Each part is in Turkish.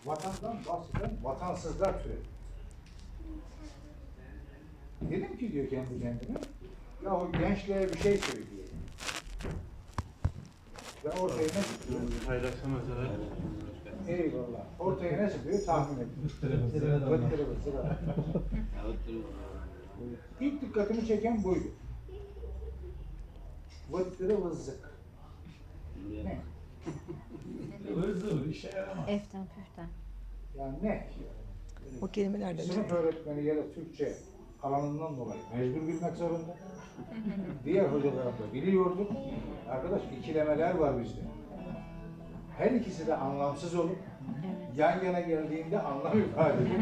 vatandan bahseden vatansızlar türedi. Dedim ki diyor kendi kendine, ya o gençliğe bir şey söyleyeyim. Ve ortaya ne çıkıyor? Paylaşamazlar. Eyvallah. Ortaya ne çıkıyor? Tahmin edin. Vıttırı vıttırı. İlk dikkatimi çeken buydu. Vıttırı vızzık. Ne? Hızlı işe yaramaz. Eften püften. Yani ne? O kelimelerden Sınıf öğretmeni ya da Türkçe alanından dolayı mecbur bilmek zorunda. Diğer hocalarım da biliyorduk. Arkadaş ikilemeler var bizde. Her ikisi de anlamsız olup yan yana geldiğinde anlam ifade ediyor.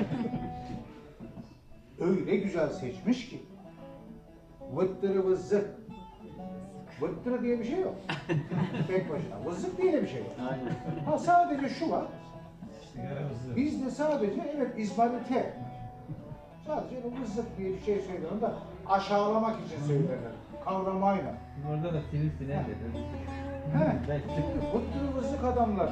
Öyle güzel seçmiş ki vıttırı vızzık. Vıttırı diye bir şey yok. Tek başına. Vızzık diye de bir şey yok. Ha sadece şu var. Bizde sadece evet izmarite. Sadece vızzık diye bir şey söylüyorum da aşağılamak için söylerler. Kavramayla. Orada da sinir siner dedi. He. Vıttırı vızzık adamlar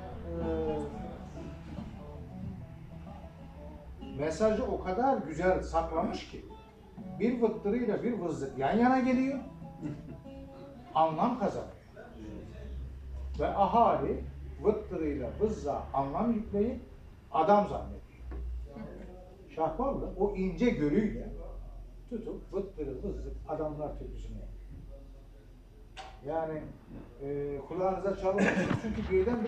mesajı o kadar güzel saklamış ki bir vıttırıyla bir vızzık yan yana geliyor. Anlam kazanıyor. Ve ahali vıttırıyla vızza anlam yükleyip adam zannediyor. Şahballı o ince görüyle tutup vıttırı vızlık adamlar türküsünü yapıyor. Yani kulağınıza çalmasın çünkü birden